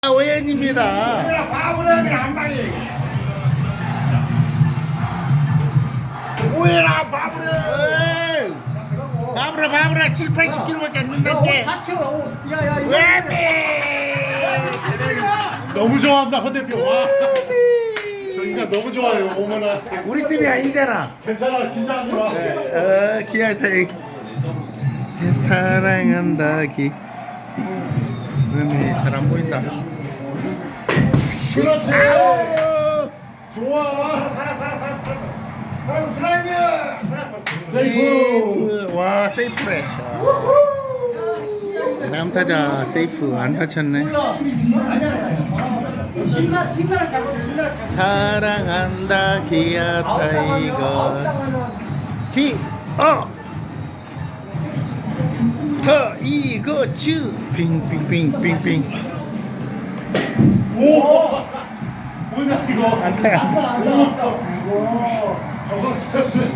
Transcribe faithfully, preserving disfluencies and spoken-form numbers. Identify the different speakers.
Speaker 1: 오연입니다.
Speaker 2: 얘들아 바보라 그냥 한 방에 오해라 바보라.
Speaker 1: 에이, 바브라 바브라 칠, 팔십 킬로밖에 안 된다께.
Speaker 2: 다쳐. 야야 이거.
Speaker 1: 왜미?
Speaker 3: 너무 좋아한다 허 대표. 와. 저 인간 너무 좋아요 어머나.
Speaker 1: 우리 팀이 아니잖아.
Speaker 3: 괜찮아 긴장하지 마.
Speaker 1: 어, 기아타 사랑한다 기. 왜미 잘안 보인다.
Speaker 3: 그렇지.
Speaker 1: 아우!
Speaker 3: 좋아.
Speaker 2: 살아 살아 살아 살아. 살아 슬라이드. 살았어.
Speaker 3: 세이프.
Speaker 1: 세이프. 와 세이프래. 남타자 세이프 안 다쳤네.
Speaker 2: 신나 신나 잡아 신나 잡아.
Speaker 1: 사랑한다 기아 타이거 기어 타이거 츄 빙빙빙빙빙.
Speaker 3: 오. 뭐냐 이거.
Speaker 1: 안타야.
Speaker 3: 저거 진짜.